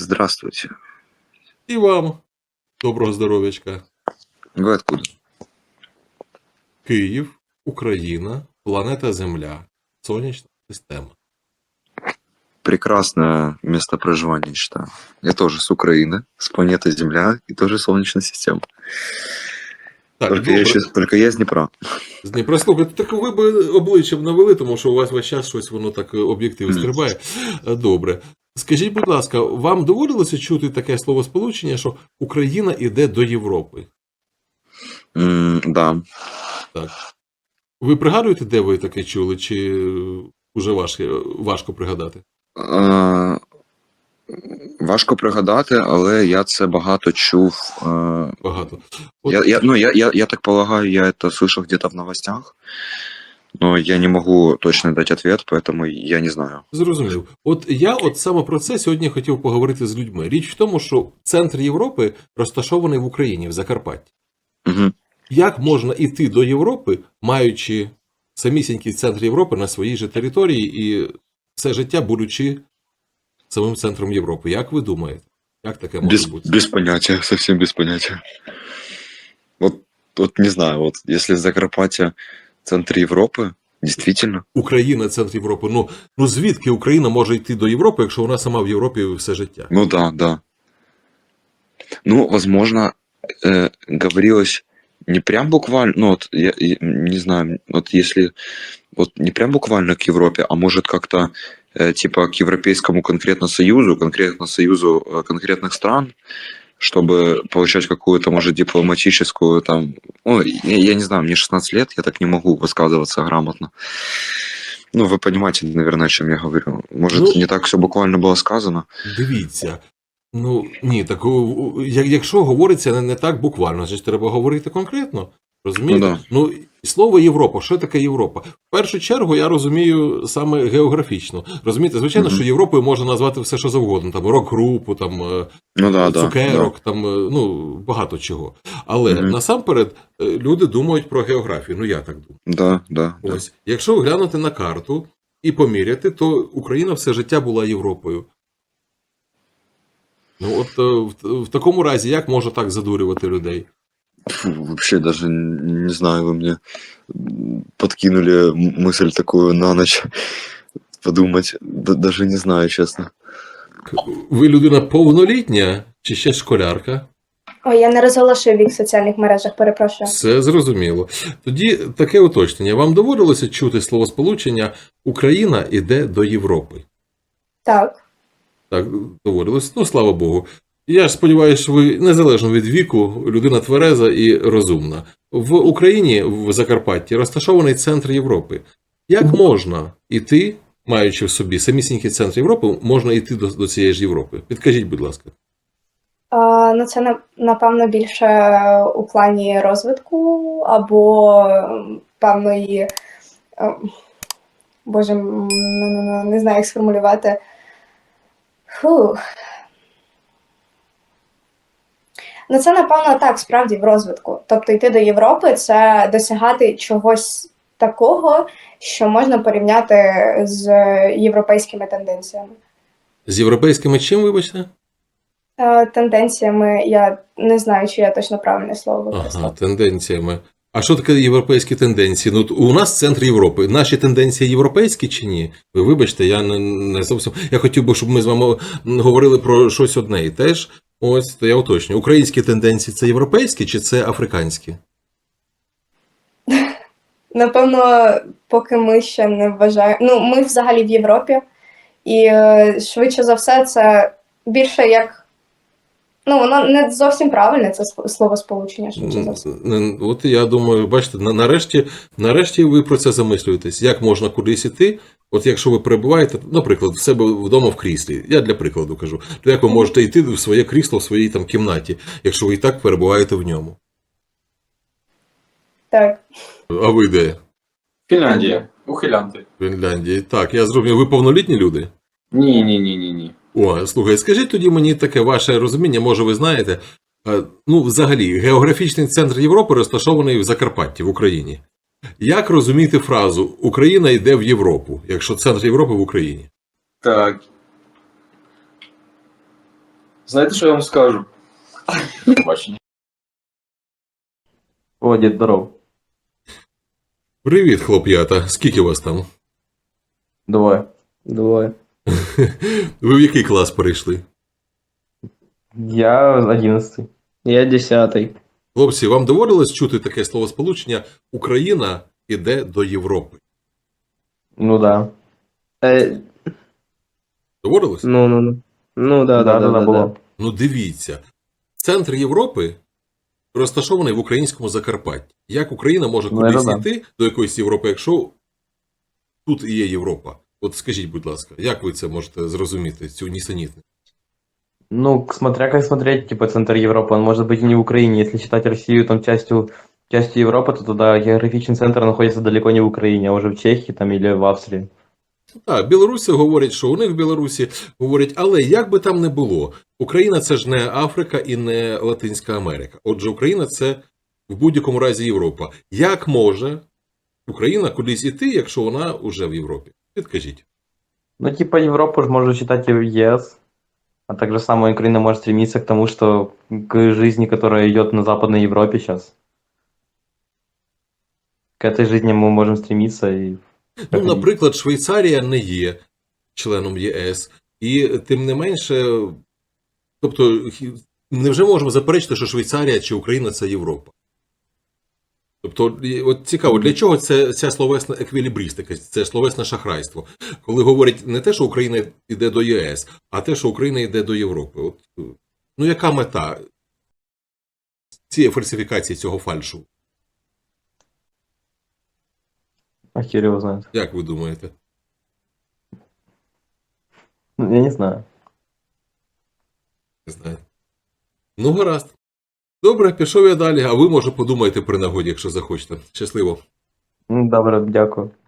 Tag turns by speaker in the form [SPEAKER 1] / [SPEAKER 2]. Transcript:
[SPEAKER 1] Здравствуйте.
[SPEAKER 2] І вам доброго здоров'ячка.
[SPEAKER 1] Вы откуда?
[SPEAKER 2] Київ, Україна, планета Земля, Сонячна система.
[SPEAKER 1] Прекрасное место проживания, считаю. Я тоже с Украины, с планеты Земля и тоже Солнечная система.
[SPEAKER 2] Так,
[SPEAKER 1] Только я из Днепра.
[SPEAKER 2] з Дніпра. Слухайте, так ви б обличчям навели, тому що у вас весь час щось воно так об'єктив стрибає. Добре. Скажіть, будь ласка, вам доводилося чути таке словосполучення, що Україна йде до Європи?
[SPEAKER 1] Да.
[SPEAKER 2] Так. Ви пригадуєте, де ви таке чули, чи вже важко пригадати?
[SPEAKER 1] Важко пригадати, але я це багато чув.
[SPEAKER 2] Багато.
[SPEAKER 1] Я так полагаю, я это слышал где-то в новостях, но я не могу точно дать ответ, поэтому я не знаю.
[SPEAKER 2] Зрозумів. От я саме про це сьогодні хотів поговорити з людьми. Річ в тому, що центр Європи розташований в Україні, в Закарпатті.
[SPEAKER 1] Угу.
[SPEAKER 2] Як можна йти до Європи, маючи самісінький центр Європи на своїй же території і все життя будучи самим центром Європи? Як ви думаєте? Як таке може бути?
[SPEAKER 1] Без понятия, совсем без понятия. Вот не знаю, вот если Закарпаття центр Європи, действительно.
[SPEAKER 2] Україна центр Європи. Ну звідки Україна може йти до Європи, якщо вона сама в Європі все життя?
[SPEAKER 1] Ну да. Ну, возможно, говорилось не прям буквально, ну вот я не знаю, вот если вот не прям буквально к Европе, а может как-то типа к Европейскому конкретно союзу конкретных стран, чтобы получать какую-то, может, дипломатическую там, ну, я не знаю, мне 16 лет, я так не могу высказываться грамотно. Ну, вы понимаете, наверное, о чем я говорю. Может, не так все буквально було сказано?
[SPEAKER 2] Дивіться. Ну, ні, так якщо говориться не так буквально, значить треба говорити конкретно. Розумієте? Ну, слово Європа, що таке Європа? В першу чергу я розумію саме географічно. Розумієте, звичайно, що Європою можна назвати все, що завгодно. Там рок-групу, там цукерок, там, ну, багато чого. Але насамперед люди думають про географію. Ну, я так думаю.
[SPEAKER 1] Да.
[SPEAKER 2] Ось. Якщо глянути на карту і поміряти, то Україна все життя була Європою. Ну, от в такому разі, як можна так задурювати людей?
[SPEAKER 1] Вообще даже не знаю, вы мне подкинули мысль такую на ночь подумать. Даже не знаю, честно.
[SPEAKER 2] Ви людина повнолітня чи ще школярка?
[SPEAKER 3] Ой, я не розголошую вік в соціальних мережах, перепрошую.
[SPEAKER 2] Все зрозуміло. Тоді таке уточнення. Вам доводилося чути словосполучення «Україна іде до Європи»?
[SPEAKER 3] Так.
[SPEAKER 2] Так, доводилось. Ну, слава Богу. Я ж сподіваюся, що ви, незалежно від віку, людина твереза і розумна. В Україні, в Закарпатті, розташований центр Європи. Як можна йти, маючи в собі самісінький центр Європи, можна йти до цієї ж Європи? Підкажіть, будь ласка.
[SPEAKER 3] Ну, це, напевно, більше у плані розвитку або певної... Боже, не знаю, як сформулювати. Ну, це, напевно, так, справді, в розвитку. Тобто йти до Європи – це досягати чогось такого, що можна порівняти з європейськими тенденціями.
[SPEAKER 2] З європейськими чим, вибачте?
[SPEAKER 3] Тенденціями, я не знаю, чи я точно правильне слово використала.
[SPEAKER 2] Ага, тенденціями. А що таке європейські тенденції? Ну, у нас центр Європи. Наші тенденції європейські чи ні? Ви вибачте, я не зовсім... Я хотів би, щоб ми з вами говорили про щось одне і теж. Ось, то я уточнюю. Українські тенденції – це європейські чи це африканські?
[SPEAKER 3] Напевно, поки ми ще не вважаємо... Ну, ми взагалі в Європі. І швидше за все це більше як... Ну, воно не зовсім правильне, це словосполучення, швидше за все.
[SPEAKER 2] От я думаю, бачите, нарешті ви про це замислюєтесь. Як можна кудись іти? От якщо ви перебуваєте, наприклад, в себе вдома в кріслі, я для прикладу кажу, то як ви можете йти в своє крісло в своїй там кімнаті, якщо ви і так перебуваєте в ньому?
[SPEAKER 3] Так.
[SPEAKER 2] А ви де?
[SPEAKER 4] Фінляндія. Ухилянти.
[SPEAKER 2] Фінляндії. Так, я зрозумів. Ви повнолітні люди?
[SPEAKER 4] Ні.
[SPEAKER 2] О, слухай, скажіть тоді мені таке ваше розуміння, може ви знаєте, ну, взагалі, географічний центр Європи розташований в Закарпатті, в Україні. Як розуміти фразу «Україна йде в Європу», якщо центр Європи в Україні?
[SPEAKER 4] Так. Знаєте, що я вам скажу? Побачення.
[SPEAKER 5] О, дід, здоров.
[SPEAKER 2] Привіт, хлоп'ята. Скільки вас там?
[SPEAKER 5] Двоє.
[SPEAKER 2] Ви в який клас перейшли?
[SPEAKER 5] Я 11.
[SPEAKER 6] Я 10-й.
[SPEAKER 2] Хлопці, вам доводилось чути таке словосполучення «Україна іде до Європи»?
[SPEAKER 5] Ну да.
[SPEAKER 2] Доводилось?
[SPEAKER 6] Ну, да.
[SPEAKER 5] було.
[SPEAKER 2] Ну дивіться, центр Європи розташований в українському Закарпатті. Як Україна може
[SPEAKER 5] Ну,
[SPEAKER 2] кудись
[SPEAKER 5] це да.
[SPEAKER 2] йти до якоїсь Європи, якщо тут і є Європа? От скажіть, будь ласка, як ви це можете зрозуміти, цю нісенітність?
[SPEAKER 5] Ну, смотря как смотреть, типа, центр Европы, он может быть и не в Украине. Если считать Россию там частью Европы, то туда географичный центр находится далеко не в Украине, а уже в Чехии там или в Австрии.
[SPEAKER 2] Так, білоруси говорять, що у них в Білорусі говорять, але як би там не було, Україна це ж не Африка і не Латинська Америка. Отже, Україна це в будь-якому разі Європа. Як може Україна кудись іти, якщо вона вже в Європі? Підкажіть.
[SPEAKER 5] Ну, типа, Европу же можно считать и ЕС, а также сама Украина может стремиться к тому, что к жизни, которая идет на Западной Европе сейчас. К этой жизни мы можем стремиться и...
[SPEAKER 2] Ну, наприклад, Швейцарія не є членом ЄС, і тим не менше, тобто, невже можемо заперечити, що Швейцарія чи Україна це Європа? Тобто, от цікаво, для чого ця словесна еквілібристика, це словесне шахрайство? Коли говорять не те, що Україна йде до ЄС, а те, що Україна йде до Європи. От, ну, яка мета цієї фальсифікації, цього фальшу?
[SPEAKER 5] А хер его знает.
[SPEAKER 2] Як ви думаєте?
[SPEAKER 5] Ну, я не знаю.
[SPEAKER 2] Не знаю. Ну, гаразд. Добре, пішов я далі, а ви, може, подумаєте при нагоді, якщо захочете. Щасливо.
[SPEAKER 5] Добре, дякую.